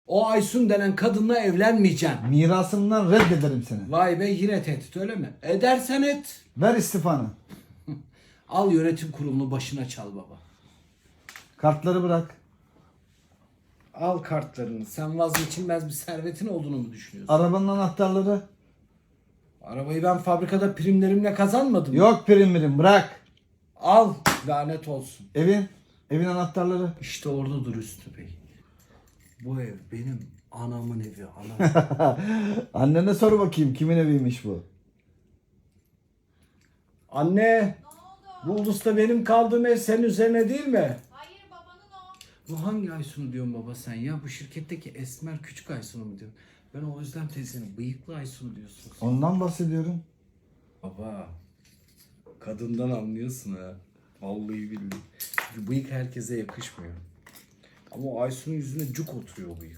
O Aysun denen kadınla evlenmeyeceksin. Mirasımdan reddederim seni. Vay be, yine tehdit, öyle mi? Edersen et. Ver istifanı. Al yönetim kurulunu başına çal baba. Kartları bırak. Al kartlarını. Sen vazgeçilmez bir servetin olduğunu mu düşünüyorsun? Arabanın anahtarları. Arabayı ben fabrikada primlerimle kazanmadım mı? Yok prim bırak. Al, lanet olsun. Evin anahtarları. İşte orada dur Üstü Bey. Bu ev benim anamın evi. Anam. Annene sor bakayım kimin eviymiş bu. Anne, bu ulusta benim kaldığım ev senin üzerine değil mi? Hayır, babanın o. Bu hangi Aysun'u diyorsun baba sen ya? Bu şirketteki esmer küçük Aysun'u mu diyorsun? Ben o Özlem teyzenin bıyıklı Aysun'u diyorsun. Ondan bahsediyorum. Baba, kadından anlıyorsun ha. Vallahi billahi. Çünkü bıyık herkese yakışmıyor. Ama o Aysun'un yüzüne cuk oturuyor o bıyık.